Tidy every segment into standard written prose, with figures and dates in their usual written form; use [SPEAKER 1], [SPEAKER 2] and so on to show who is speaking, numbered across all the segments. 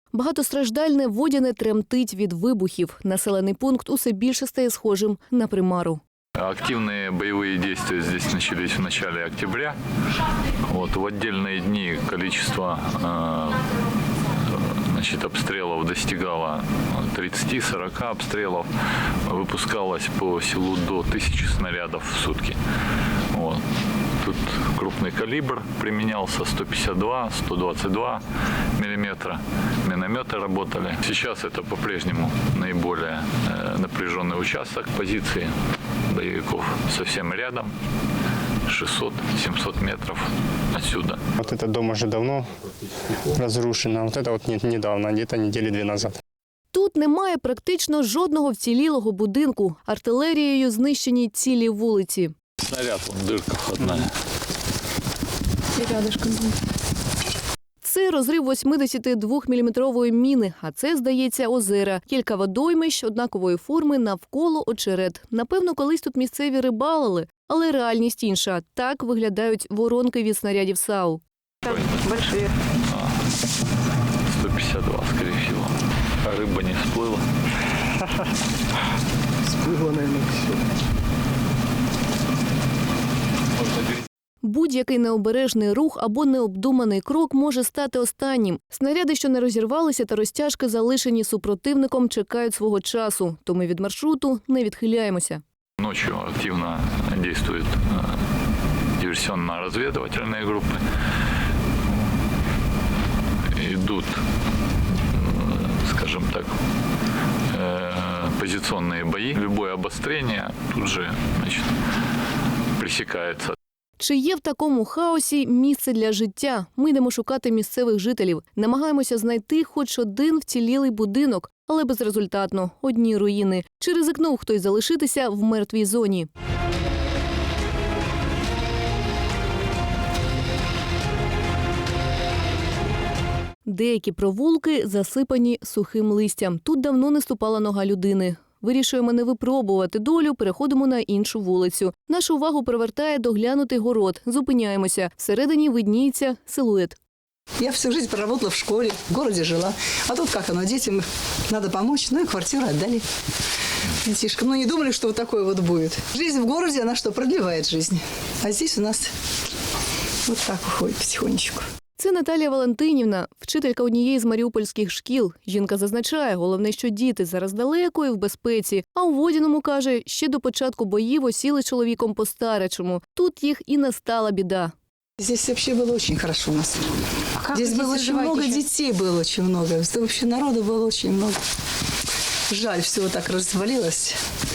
[SPEAKER 1] Багатостраждальне Водяне тремтить від вибухів. Населений пункт усе більше стає схожим на примару.
[SPEAKER 2] Активные боевые действия здесь начались в начале октября. В отдельные дни количество обстрелов достигало 30-40 обстрелов. Выпускалось по селу до 1000 снарядов в сутки. Тут крупный калибр применялся, 152, 122 миллиметра. Минометы работали. Сейчас это по-прежнему наиболее напряженный участок позиции боевиков совсем рядом, 600-700 метров отсюда.
[SPEAKER 3] Вот этот дом уже давно разрушен, а вот это вот недавно, где-то недели 2 назад.
[SPEAKER 1] Тут немає практично жодного вцілілого будинку. Артилерією знищені цілі вулиці.
[SPEAKER 2] Снаряд, дырка входная.
[SPEAKER 1] Це розрив 82-міліметрової міни, а це, здається, озера. Кілька водоймищ однакової форми навколо очерет. Напевно, колись тут місцеві рибалили, але реальність інша. Так виглядають воронки від снарядів САУ.
[SPEAKER 4] Большие.
[SPEAKER 2] 152, скорее всего. А рыба не всплыла.
[SPEAKER 4] Всплыло, наверное, все.
[SPEAKER 1] Будь-який необережний рух або необдуманий крок може стати останнім. Снаряди, що не розірвалися, та розтяжки, залишені супротивником, чекають свого часу. То ми від маршруту не відхиляємося.
[SPEAKER 2] Ночью активно действуют диверсионно-разведывательные группы. Идут, скажем так, позиционные бои. Любое обострение тут же пресекается.
[SPEAKER 1] Чи є в такому хаосі місце для життя? Ми йдемо шукати місцевих жителів. Намагаємося знайти хоч один вцілілий будинок, але безрезультатно. Одні руїни. Чи ризикнув хтось залишитися в мертвій зоні? Деякі провулки засипані сухим листям. Тут давно не ступала нога людини. Вирішуємо не випробувати долю, переходимо на іншу вулицю. Нашу увагу привертає доглянутий город. Зупиняємося. Всередині видніється силует.
[SPEAKER 4] Я всю жизнь проработала в школе, в городе жила. А тут как оно, детям надо помочь, ну и квартиру отдали детишкам. Ну не думали, что вот такое вот будет. Жизнь в городе, она что, продлевает жизнь. А здесь у нас вот так уходит потихонечку.
[SPEAKER 1] Це Наталія Валентинівна, вчителька однієї з маріупольських шкіл. Жінка зазначає, головне, що діти зараз далеко і в безпеці. А у Водяному, каже, ще до початку боїв осіли чоловіком по-старечому. Тут їх і настала біда.
[SPEAKER 4] Здесь вообще было очень хорошо у нас. Здесь было очень много детей, было очень много. Вообще народу было очень много. Жаль, все вот так развалилось.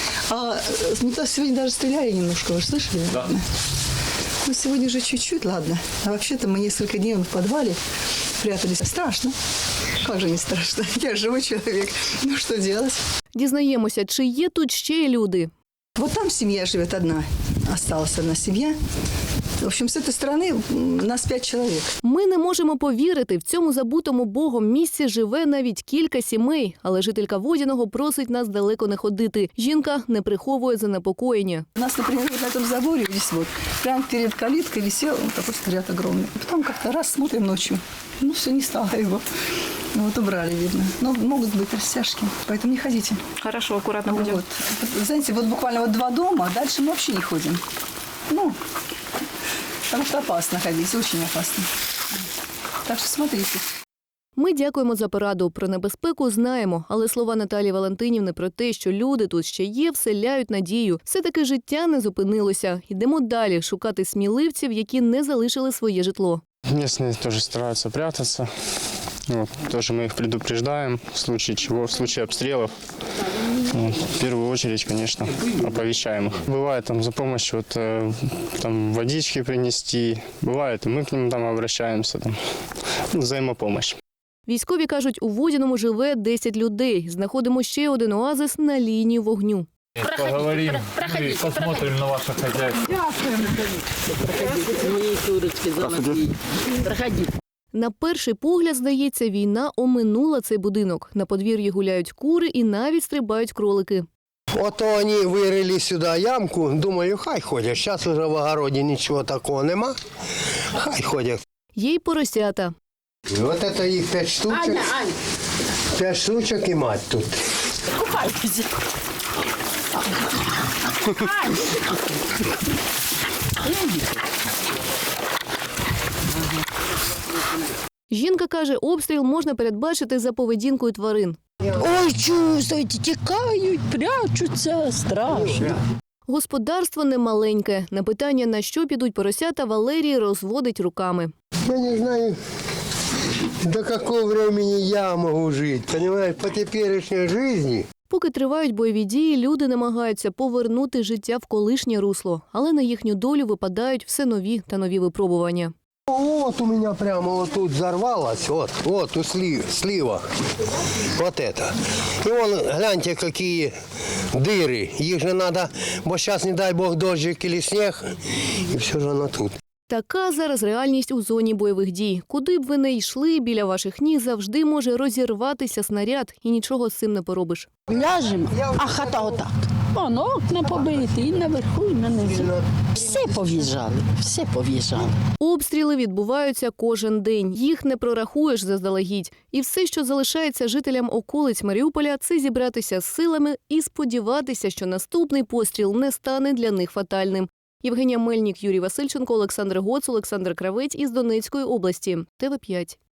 [SPEAKER 4] Сегодня даже стреляли немножко, вы слышали?
[SPEAKER 2] Да.
[SPEAKER 4] Ну, сегодня же чуть-чуть, ладно. А вообще-то мы несколько дней в подвале прятались. Страшно. Как же не страшно? Я живой человек. Ну, что делать?
[SPEAKER 1] Дізнаємося, чи є тут ще й люди.
[SPEAKER 4] Вот там семья живет одна. Осталась одна семья. В общем, с этой стороны нас 5 человек.
[SPEAKER 1] Ми не можемо повірити, в цьому забутому Богом місці живе навіть кілька сімей. Але жителька Водяного просить нас далеко не ходити. Жінка не приховує занепокоєння.
[SPEAKER 4] У нас, например, вот на этом заборе здесь вот, прямо перед калиткой висел вот такой снаряд огромный. Потом как-то раз смотрим ночью, ну все, не стало его. Вот убрали, видно. Но могут быть растяжки, поэтому не ходите.
[SPEAKER 5] Хорошо, аккуратно будем.
[SPEAKER 4] Вот. Знаете, вот буквально вот 2 дома, а дальше мы вообще не ходим. Ну, потому что опасно ходить, очень опасно. Так что смотрите.
[SPEAKER 1] Ми дякуємо за пораду. Про небезпеку знаємо, але слова Наталії Валентинівни про те, що люди тут ще є, вселяють надію. Все-таки життя не зупинилося. Йдемо далі шукати сміливців, які не залишили своє житло.
[SPEAKER 3] Местные тоже стараются прятаться. Тоже мы их предупреждаем в случае чего, в случае обстрелов. В первую очередь, конечно, оповещаем их. Бывает там за помощью там водички принести, бывает, и мы к ним там обращаемся, взаимопомощь.
[SPEAKER 1] Військові кажуть, у Водяному живе 10 людей. Знаходимо ще один оазис на лінії вогню.
[SPEAKER 2] Поговорим и посмотрим на ваше хозяйство.
[SPEAKER 1] На перший погляд, здається, війна оминула цей будинок. На подвір'ї гуляють кури і навіть стрибають кролики.
[SPEAKER 6] Ото вони вирили сюди ямку, думаю, хай ходять. Зараз вже в огороді нічого такого нема, хай ходять.
[SPEAKER 1] Є й поросята.
[SPEAKER 6] Вот это их 5 штучек. 5 штучек и мать тут.
[SPEAKER 1] Жінка каже, обстріл можна передбачити за поведінкою тварин.
[SPEAKER 5] Ой, чувствуйте, тікають, прячуться, страшно.
[SPEAKER 1] Господарство немаленьке. На питання, на що підуть поросята, Валерій розводить руками.
[SPEAKER 6] Я не знаю, до какого времени я могу жить. Понимаешь, по теперешней жизни.
[SPEAKER 1] Поки тривають бойові дії, люди намагаються повернути життя в колишнє русло. Але на їхню долю випадають все нові та нові випробування.
[SPEAKER 6] Вот у меня прямо вот тут взорвалось, вот у слива, вот это. И вон, гляньте, какие дыры. Их же надо, бо сейчас, не дай бог, дождик или снег, и все же оно тут.
[SPEAKER 1] Така зараз реальність у зоні бойових дій. Куди б ви не йшли, біля ваших ніг завжди може розірватися снаряд, і нічого з цим не поробиш.
[SPEAKER 5] Ляжемо, а хата отак. Вон окна побиті, і наверху, і на низу. Все пов'їжджали, все пов'їжджали.
[SPEAKER 1] Обстріли відбуваються кожен день. Їх не прорахуєш заздалегідь. І все, що залишається жителям околиць Маріуполя, це зібратися з силами і сподіватися, що наступний постріл не стане для них фатальним. Євгенія Мельник, Юрій Васильченко, Олександр Гоц, Олександр Кравець із Донецької області. ТВ5.